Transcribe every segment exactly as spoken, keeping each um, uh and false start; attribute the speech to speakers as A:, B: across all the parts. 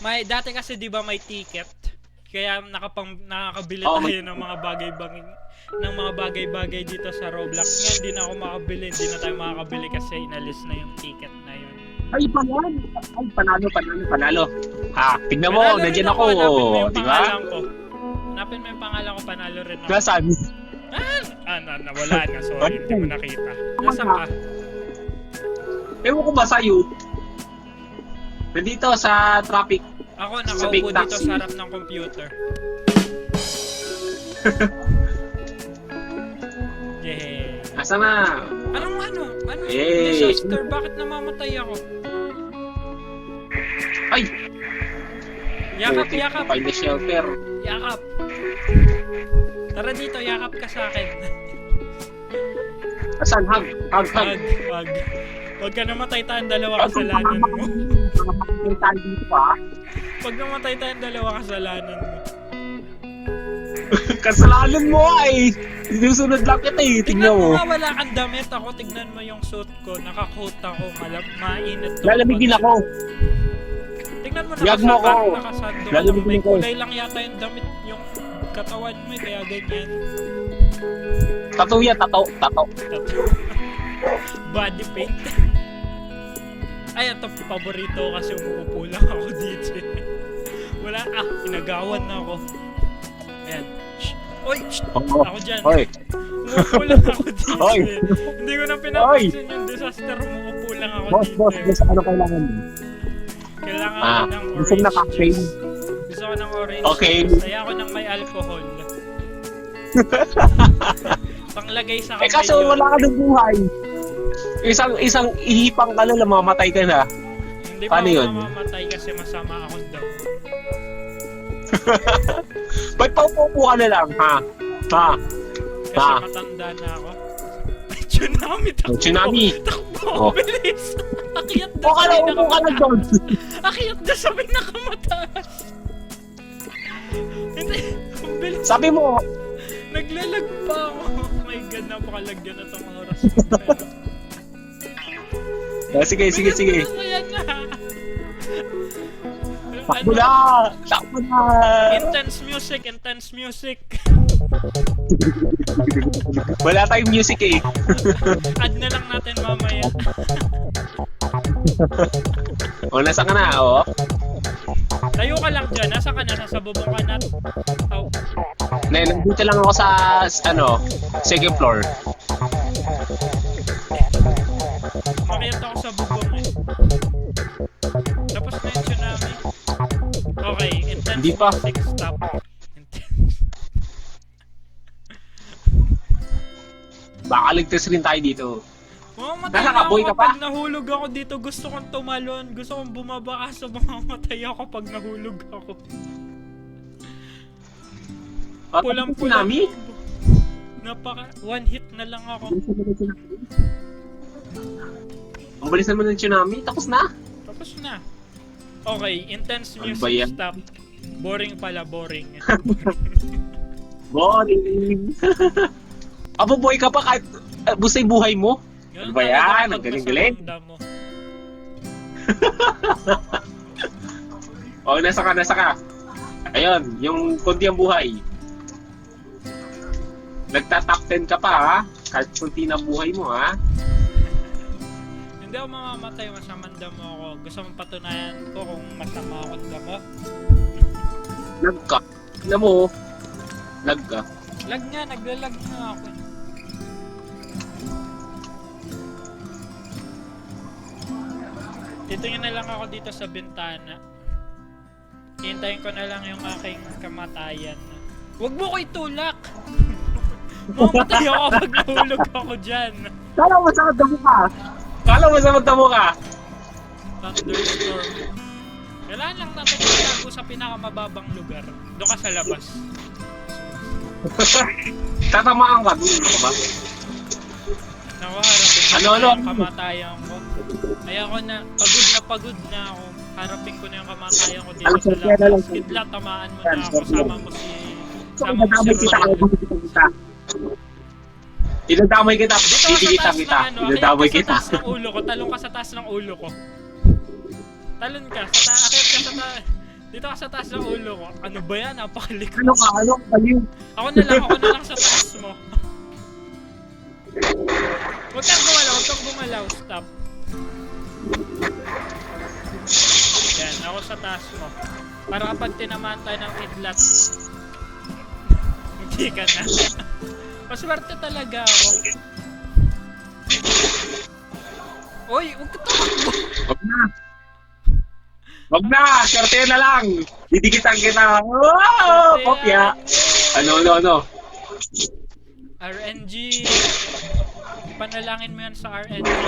A: May dati kasi 'di ba may ticket. Kaya nakapang nakakabili
B: Oo,
A: tayo
B: may-
A: ng mga bagay-bagay ng mga bagay-bagay dito sa Roblox. Ngayon hindi na ako makabili, hindi na tayo makakabili kasi inalis na yung ticket na yun.
B: Ay, panalo. Ay, panalo, panalo, panalo. Ha, tignan mo,
A: Panalo rin
B: nandiyan ako.
A: hanapin mo yung
B: Di ba?
A: pangalan ko. Hanapin mo yung pangalan ko, panalo rin ako.
B: Nasaan?
A: Ah, ah na, nawala na, sorry, hindi mo nakita. Nasaan ka?
B: Ewan ko ba sa'yo? Nandito sa traffic.
A: Ako
B: Sa big
A: nakaupo dito
B: taxi.
A: sa harap ng computer. Yay.
B: Asa na?
A: Anong ano? Ano?
B: Eh.
A: Disaster? Bakit namamatay ako?
B: Ay!
A: Yakap,
B: Putik,
A: yakap,
B: Find the shelter.
A: yakap. Tara dito, yakap ka sa akin.
B: Asan? Hug, hug, hug.
A: Wag, wag. Wag ka namatay tayong dalawa kasalanan mo.
B: Mga tayo dito ah.
A: Pag namatay tayong dalawa kasalanan mo.
B: Kasalanan mo ay. Sinusunod lang kita eh.
A: Tignan
B: Tingnan
A: mo
B: mo.
A: nga, wala kang damit. Ako, tignan mo yung suit ko. Naka-coat ako. Malab, mainit to.
B: Lalamigin ako.
A: Tignan mo,
B: Yag mo
A: nakasaka,
B: ko.
A: nakasando ka lang.
B: Lalamigin
A: May
B: ko.
A: kulay lang yata yung damit. Yung katawan mo, eh, kaya ganyan.
B: Tato yan, tato, tato.
A: Body paint. Ay, ito paborito ko kasi umuupo lang ako dito. Wala, ah, inagawan na ako. Ayan. Shh. Oy, shh.
B: Oo.
A: Ako dyan.
B: Hoy.
A: Umuupo lang ako dito.
B: Oy.
A: eh. Hindi ko na pinapansin yung disaster. Umuupo lang ako
B: Boss,
A: dito.
B: boss,
A: eh.
B: boss, ano kailangan mo?
A: Kailangan
B: Ah,
A: ko ng
B: gusto mo na
A: orange
B: cocktail?
A: juice. Gusto ko ng orange
B: Okay.
A: juice. Kaya ako ng may alcohol. Panglagay sa
B: Eh
A: kamay
B: kaso
A: yun.
B: wala ka ng buhay. Isang isang ihipang ka na lang, mamamatay ka na.
A: Hindi pa
B: Paano
A: ako
B: yun?
A: mamamatay kasi masama akong daw.
B: Ba't paupo ka na lang, ha? Ha?
A: Kasi
B: Ah.
A: matanda na ako. Tsunami, takbo.
B: Tsunami.
A: Takbo,
B: Oh.
A: bilis. Akyat na
B: O ka na,
A: sa
B: upo ka na doon.
A: Akyat na sa pinakamataas. Hindi, ang bilis.
B: Sabi mo,
A: Naglalag pa ako. Oh my god, napakalagyan na tong oras ko.
B: ah, sige, sige, sige.
A: Ayan na.
B: Takbo
A: Ano?
B: na! Takbo na!
A: Intense music, intense music.
B: Wala tayong music eh.
A: Add na lang natin mamaya.
B: O, nasa ka na, o.
A: Tayo ka lang dyan, nasa ka na, nasa bubong ka na. Oh.
B: Na, nandito lang ako sa, ano, second floor.
A: Makiyat ako sa bubong eh. Tapos na yung tsunami. Okay, intense
B: Hindi pa.
A: music, stop. Intense.
B: Baka ligtas rin tayo dito.
A: Mamamatay
B: Nasa
A: na
B: kaboy
A: ako
B: ka pa?
A: pag nahulog ako dito. Gusto kong tumalon. Gusto kong bumaba kaso mamamatay ako pag nahulog ako. Pulang-pula.
B: Tsunami?
A: Napaka, one hit na lang ako.
B: Ang bilis naman ng tsunami, tapos na.
A: Tapos na. Okay, intense
B: Ano
A: music,
B: ba yan?
A: stop. Boring pala, boring.
B: Boring. Abo boy ka pa kahit uh, bustay buhay mo.
A: Ganun
B: Ano ba
A: talaga
B: yan?
A: kapag
B: Ang galing-galing.
A: nasa ramdam mo.
B: O, nasa ka, nasa ka. Ayun, yung konti ang buhay. Nagta-top ten ka pa ha. Kahit konti na buhay mo ha.
A: Hindi ako mamamatay, masamang damo ako. Gusto mong patunayan ko kung masama akong damo?
B: Lag ka. Alam mo, lag ka.
A: Lag nga, naglalag nga ako. Titingin na lang ako dito sa bintana. Hintayin ko na lang yung aking kamatayan. Huwag mo ko itulak! Mamatay ako pag nahulog ako dyan.
B: Kala mo sa magdamo ka. Kala mo sa magdamo ka.
A: Thunderstorm. Kailangan lang natin itago sa pinakamababang lugar. Doon ka sa labas.
B: Tatamaan ka. Doon ka ba?
A: Naku, harapin ko
B: Ano,
A: na
B: ano?
A: yung kamatayan ko. Kaya ko na, pagod na pagod na ako. Harapin ko na yung kamatayan ko dito
B: Alam,
A: sa
B: kaya na lang.
A: labas. Kidla, tamaan mo na ako. Sama mo si...
B: So,
A: Sama mo si
B: idadamay kita.
A: Ronaldo.
B: kita. Idadamay kita.
A: Dito ka sa
B: Didikita
A: taas
B: kita.
A: ng ano.
B: Idadamay
A: Akyat ka
B: kita.
A: sa taas ng ulo ko. Talong ka sa taas ng ulo ko. Talon ka. Sa ta akyat ka sa taas. Dito ka sa taas ng ulo ko. Ano ba yan? Napakalikot.
B: Ano ka? Ano ka? Baliw.
A: Ako na lang, ako na lang sa taas mo. Huwag kang gumalaw, huwag kang gumalaw. Stop. Yan, ako sa taas mo. Para kapag tinamaan tayo ng kidlat, hindi ka na. Maswerte talaga ako. Uy, huwag ka tumakbo.
B: Wag na. Wag na. Swerte na lang. Didikitan kita. Oh, kopya. Ano, ano, ano?
A: R N G. Panalangin mo yan sa R N G.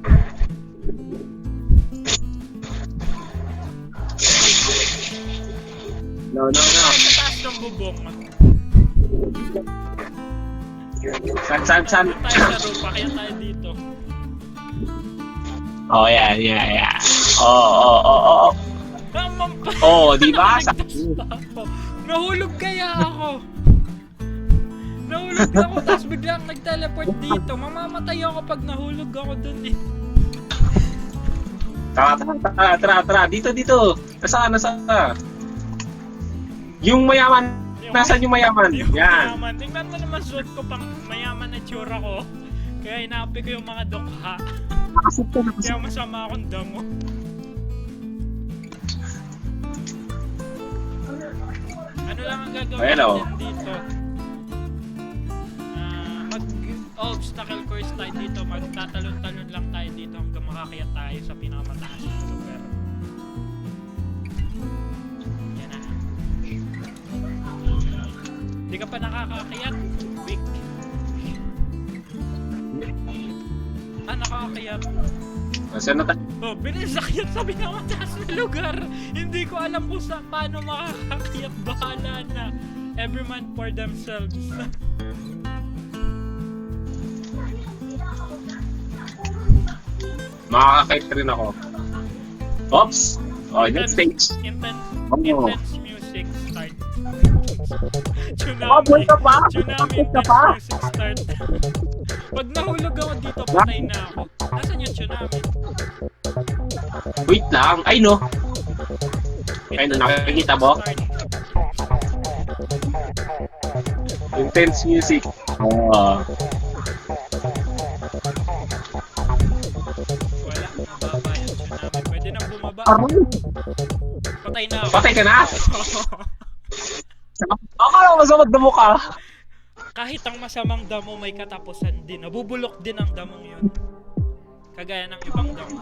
B: No, no, no.
A: Sa taas ng bubong.
B: San, san, san?
A: Doon tayo sa rupa, kaya tayo dito.
B: Oh, yeah, yeah, yeah. Oh, oh, oh, oh.
A: Tamang pa.
B: Oh, di ba? Sa-
A: Nahulog kaya ako. Nahulog ako, tapos biglang nag-teleport dito. Mamamatay ako pag nahulog ako dun eh.
B: Tara, tara, tara, tara, tara. Dito, dito. Nasaan, nasaan? Yung mayaman. Nasaan yung mayaman?
A: Yung
B: Yan.
A: mayaman. Tingnan mo naman suot ko pang mayaman na tsura ko. Kaya inaapi ko yung mga dukha.
B: Nakasip ka, nakasip.
A: Kaya masama akong damo. Ano lang ang gagawin
B: Ayan, oh.
A: natin dito? Ah, mag-obstacle course tayo dito. Magtatalon-talon lang tayo dito hanggang makakaya tayo sa pinakamataas na lugar. Yan na. Hindi ka pa nakakakayat? Weak. Ah, nakakakayat.
B: Nasaan na tayo?
A: Oh, binisakyat sa pinakamataas na lugar. Hindi ko alam kung sa paano makakakayat. Bahala na. Every man for themselves.
B: Makakakait rin ako. Oops! Oh, next stage.
A: Intense,
B: Oh.
A: intense music start. Tsunami.
B: Oh, buhay ka pa?
A: Tsunami
B: Buhay ka
A: intense
B: pa?
A: music start. Pag nahulog ako dito, patay na ako. Nasaan yung tsunami?
B: Wait lang. Ay, no. Ay, no, nakikita mo?
A: Start.
B: Intense music. Oh.
A: Wala, mababa yung tsunami. Pwede na bumaba.
B: Aray!
A: Patay na ako.
B: Patay ka na? Akala ko masamad na mukha.
A: Kahit ang masamang damo may katapusan din. Nabubulok din ang damong yun. Kagaya ng ibang damo.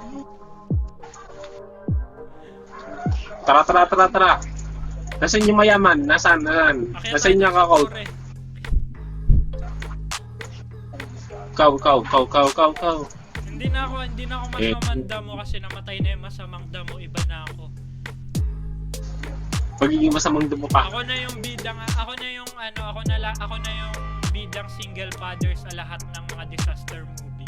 B: Tara, tara, tara, tara. Nasaan yung mayaman? Nasaan? Nasaan?
A: Akyat
B: Nasaan
A: tayo
B: yung
A: sa
B: kakao?
A: tore.
B: Kaw, kaw, kaw, kaw, kaw, kaw.
A: Hindi na ako, hindi na ako
B: Eh.
A: masamang damo kasi namatay na yung masamang damo. Iba na ako.
B: Pagiging masamang dumo pa.
A: Ako na yung bidang, ako na yung ano, ako na la, ako na yung bidang single father sa lahat ng mga disaster movie.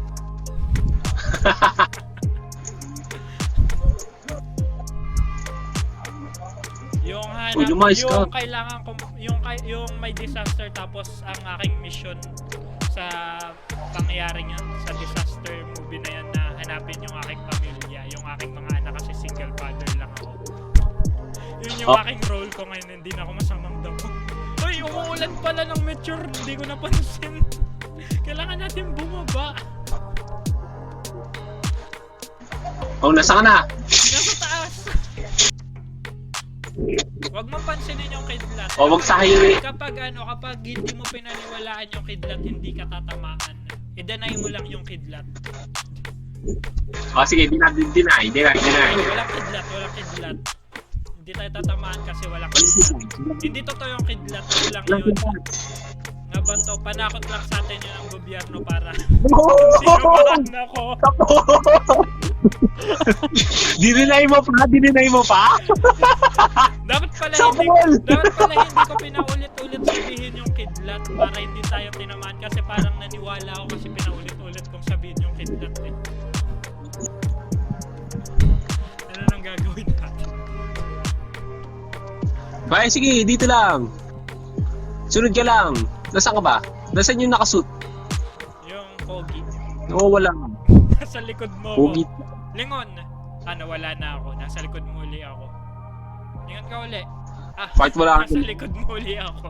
A: Yung hanap,
B: Uy, lumayas ka.
A: yung kailangan ko, yung kay- yung may disaster tapos ang aking mission sa pangyayaring yun, sa disaster movie na yan na hanapin yung aking pamilya, yung aking mga anak kasi single father lang ako. Yun yung
B: Oh.
A: aking role ko ngayon, hindi na ako masamang damo. Uy, umuulan pala ng meteor, hindi ko napansin. Kailangan natin bumaba.
B: Oh, nasaan ka na?
A: Nasa taas. Huwag mo pansinin yung kidlat.
B: Oh, wag sa highway.
A: Kapag ano, kapag hindi mo pinaniwalaan yung kidlat, hindi ka tatamaan. I-deny mo lang yung kidlat.
B: Oh, sige, deny, deny, deny, deny.
A: Walang kidlat, walang kidlat. Hindi tayo tatamaan kasi walang kidlat. Hindi totoo yung kidlat, ano lang yun. Nga ba to, panakot lang sa atin yun ang gobyerno para sinabahan ako.
B: Dininay mo pa? Dininay mo pa?
A: Dapat pala hindi,
B: Sabol!
A: dapat pala hindi ko pinaulit-ulit sabihin yung kidlat para hindi tayo tinamaan kasi parang naniwala ako kasi pinaulit-ulit kong sabihin yung kidlat eh. Ano nang gagawin natin?
B: Bye, sige, dito lang. Sunod ka lang. Nasaan ka ba? Nasaan yung nakasuit?
A: Yung pogi.
B: Nawawala.
A: Nasa likod mo
B: Pogi.
A: ako. Lingon! Ah, nawala na ako. Nasa likod mo uli ako. Saan ka uli? Ah,
B: Kahit wala
A: nasa
B: ka,
A: likod mo uli ako.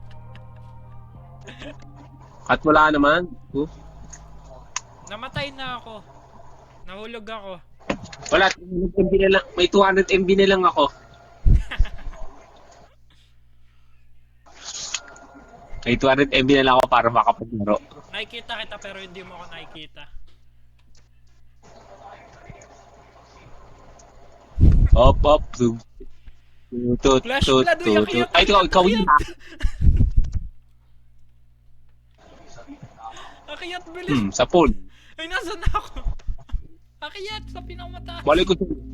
B: kahit wala naman. Oh.
A: Namatay na ako. Nahulog ako.
B: Wala, two hundred M B na lang. May two hundred M B na lang ako. May two hundred M B na lang ako para makapaglaro.
A: Nakikita kita pero hindi mo ako nakikita.
B: Op, op, zoom. Tut,
A: Flash
B: tut,
A: flood, uy,
B: tut,
A: akiyat,
B: tut. Ay, ikaw,
A: akiyat,
B: ikaw yun ha.
A: Akiyat, bilis!
B: Hmm, sa pool.
A: Ay, nasa na ako? Akiyat, sa pinakamataas.
B: Balik ko dyan.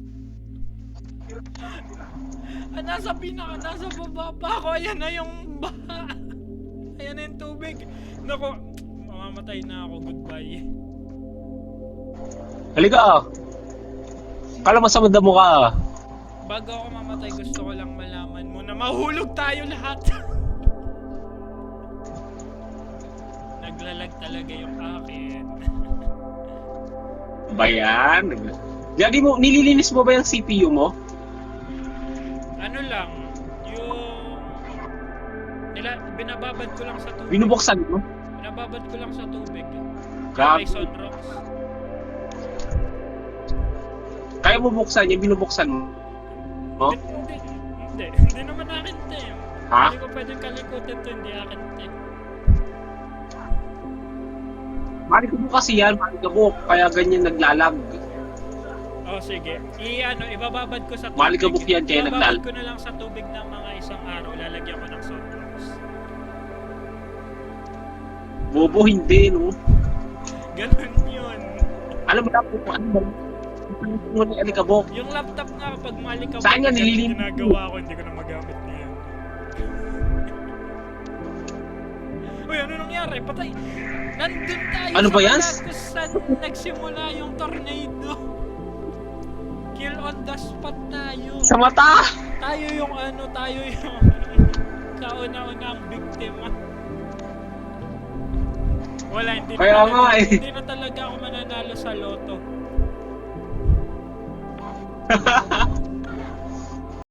A: Ah, nasa pinaka, nasa baba pa ako. Ayan na yung baha. Ayan na yung tubig. Naku, mamamatay na ako. Goodbye.
B: Halika ah. Kala masamanda mo ka ah.
A: Bago ako mamatay, gusto ko lang malaman mo na mahulog tayo lahat. Naglalag talaga yung akin.
B: Ba yan? Lagi mo, nililinis mo ba yung C P U mo?
A: Ano lang, yung... Nila, binababad ko lang sa tubig.
B: Binubuksan mo?
A: Binababad ko lang sa tubig.
B: Grabe.
A: May sunrocks.
B: Kaya mo buksan yung binubuksan mo? Oh?
A: Hindi, hindi, hindi naman akin to eh.
B: Ha?
A: Hindi ko pwedeng kalikutin to, hindi akin to eh.
B: Malikabok kasi yan, malikabok. Kaya ganyan naglalag.
A: Oh, sige. I, ano, ibababad ko sa tubig.
B: Malikabok yan, kaya
A: Ibababad
B: naglalag.
A: ko na lang sa tubig ng mga isang araw. Lalagyan ko ng sunrocks.
B: Bobo, hindi, no?
A: Ganun yun.
B: Alam mo na po, ano ba? Ano mo ni alikabok?
A: Yung laptop nga kapag malikabok,
B: Saan yan?
A: ganun
B: Nililin-
A: ginagawa ko, hindi ko na magamit niyan. Uy, ano nangyari? Patay! Nandun tayo
B: Ano
A: sa
B: ba yan?
A: balat kung saan nagsimula yung tornado. Kill on the spot tayo.
B: Sa mata!
A: Tayo yung ano, tayo yung kauna-unang biktima. Wala, hindi
B: Kaya
A: na,
B: nga eh.
A: hindi na talaga ako mananalo sa loto.